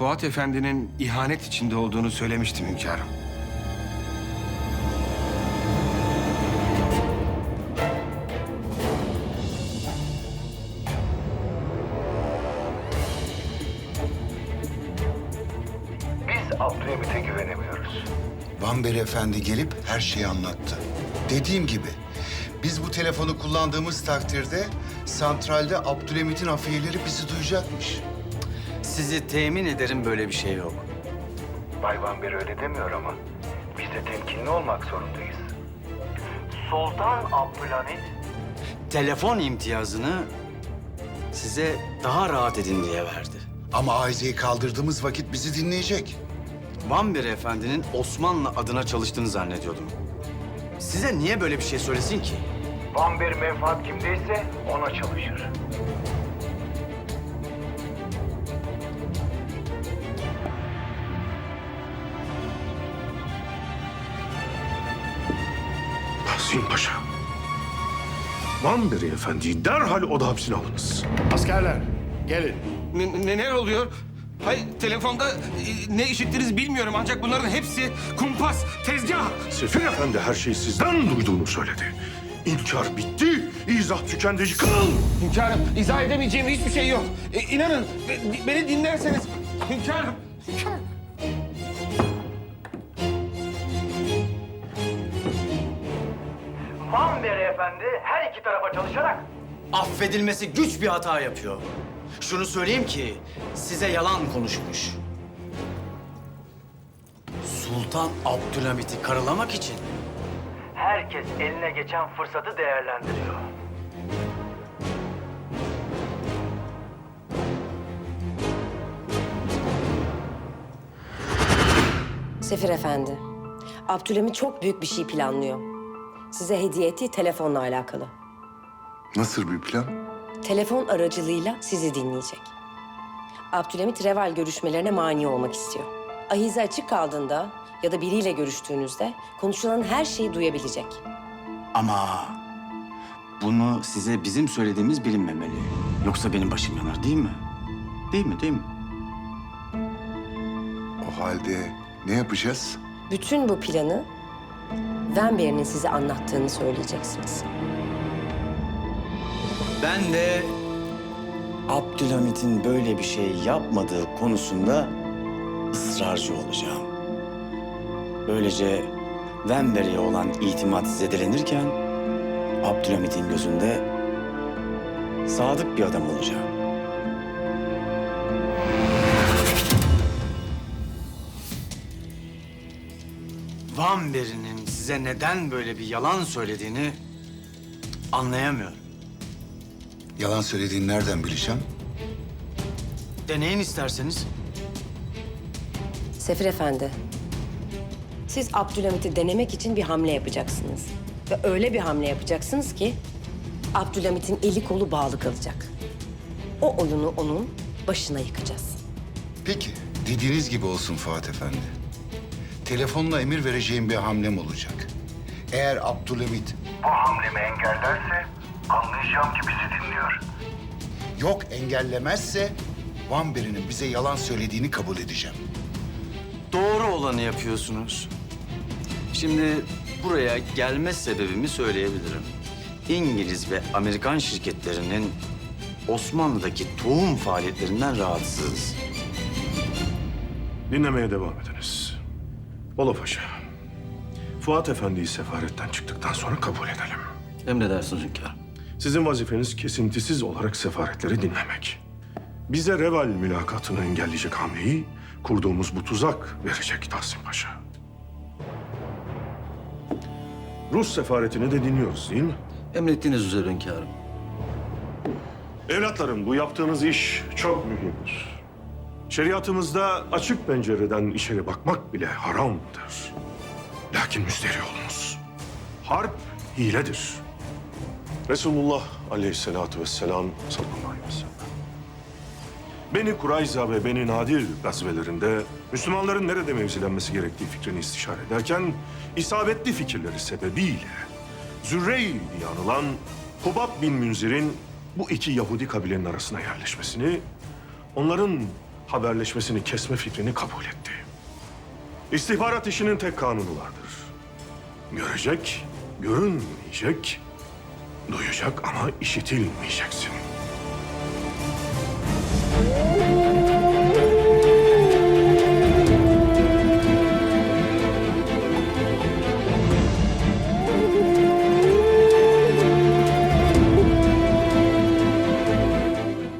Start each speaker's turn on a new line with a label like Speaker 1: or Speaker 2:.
Speaker 1: Fuat Efendi'nin ihanet içinde olduğunu söylemiştim hünkârım.
Speaker 2: Biz Abdülhamit'e güvenemiyoruz.
Speaker 3: Vanber Efendi gelip her şeyi anlattı. Dediğim gibi biz bu telefonu kullandığımız takdirde santralde Abdülhamit'in afiyeleri bizi duyacakmış.
Speaker 4: Sizi temin ederim böyle bir şey yok.
Speaker 2: Bay Vanber öyle demiyor ama biz de temkinli olmak zorundayız. Sultan Abdülhamit
Speaker 4: Telefon imtiyazını size daha rahat edin diye verdi.
Speaker 3: Ama Ayize'yi kaldırdığımız vakit bizi dinleyecek.
Speaker 4: Vanber Efendi'nin Osmanlı adına çalıştığını zannediyordum. Size niye böyle bir şey söylesin ki?
Speaker 2: Vanber menfaat kimdeyse ona çalışır.
Speaker 5: Tahsin Paşa. Vanberi Efendi'yi derhal oda hapsine alınız.
Speaker 6: Askerler, gelin.
Speaker 1: Neler oluyor? Hayır, telefonda ne işittiniz bilmiyorum ancak bunların hepsi kumpas, tezgah.
Speaker 5: Sefir Efendi her şeyi sizden duyduğunu söyledi. İnkar bitti, izah tükendi, yıkıl!
Speaker 1: Hünkârım, izah edemeyeceğim hiçbir şey yok. İnanın, beni dinlerseniz... Hünkârım, hünkârım.
Speaker 2: Vanber Efendi her iki tarafa çalışarak
Speaker 4: Affedilmesi güç bir hata yapıyor. Şunu söyleyeyim ki size yalan konuşmuş. Sultan Abdülhamit'i karalamak için
Speaker 2: herkes eline geçen fırsatı değerlendiriyor.
Speaker 7: Sefir Efendi, Abdülhamit çok büyük bir şey planlıyor. Size hediye ettiği telefonla alakalı.
Speaker 3: Nasıl bir plan?
Speaker 7: Telefon aracılığıyla sizi dinleyecek. Abdülhamit Reval görüşmelerine mani olmak istiyor. Ahize açık kaldığında ya da biriyle görüştüğünüzde konuşulan her şeyi duyabilecek.
Speaker 4: ama bunu size bizim söylediğimiz bilinmemeli. Yoksa benim başım yanar değil mi? Değil mi, değil mi?
Speaker 3: O halde ne yapacağız?
Speaker 7: Bütün bu planı Vanber'in size anlattığını söyleyeceksiniz.
Speaker 4: Ben de Abdülhamit'in böyle bir şey yapmadığı konusunda ısrarcı olacağım. Böylece Vanber'e olan itimat zedelenirken Abdülhamit'in gözünde sadık bir adam olacağım. Vanber'in size neden böyle bir yalan söylediğini anlayamıyorum.
Speaker 3: Yalan söylediğini nereden bileceğim?
Speaker 4: Deneyin isterseniz.
Speaker 7: Sefir Efendi, siz Abdülhamit'i denemek için bir hamle yapacaksınız. Ve öyle bir hamle yapacaksınız ki Abdülhamit'in eli kolu bağlı kalacak. O oyunu onun başına yıkacağız.
Speaker 3: Peki, dediğiniz gibi olsun Fuat Efendi. Telefonla emir vereceğim bir hamlem olacak. Eğer Abdülhamit
Speaker 2: Bu hamlemi engellerse anlayacağım ki bizi dinliyor.
Speaker 3: yok engellemezse Vanber'in bize yalan söylediğini kabul edeceğim.
Speaker 4: Doğru olanı yapıyorsunuz. Şimdi buraya gelme sebebimi söyleyebilirim. İngiliz ve Amerikan şirketlerinin Osmanlı'daki tohum faaliyetlerinden rahatsızız.
Speaker 5: Dinlemeye devam ediniz. Bolo Paşa, Fuat Efendi'yi sefaretten çıktıktan sonra kabul edelim.
Speaker 4: Emredersiniz hünkârım.
Speaker 5: Sizin vazifeniz kesintisiz olarak sefaretleri dinlemek. Bize Reval mülakatını engelleyecek hamleyi kurduğumuz bu tuzak verecek Tahsin Paşa. Rus sefaretini de dinliyoruz değil mi?
Speaker 4: Emrettiğiniz üzere hünkârım.
Speaker 5: Evlatlarım, bu yaptığınız iş çok mühimdir. Şeriatımızda açık pencereden içeri bakmak bile haramdır. Lakin müsterih olunuz. Harp hiledir. Resulullah aleyhissalatu vesselam sallallahu aleyhi ve sellem Beni Kurayza ve Beni Nadir gazvelerinde Müslümanların nerede mevzilenmesi gerektiği fikrini istişare ederken isabetli fikirleri sebebiyle Zürrey diye anılan Hubab bin Münzir'in bu iki Yahudi kabilenin arasına yerleşmesini, onların haberleşmesini kesme fikrini kabul etti. İstihbarat işinin tek kanunu vardır. Görecek, görünmeyecek, duyacak ama işitilmeyeceksin.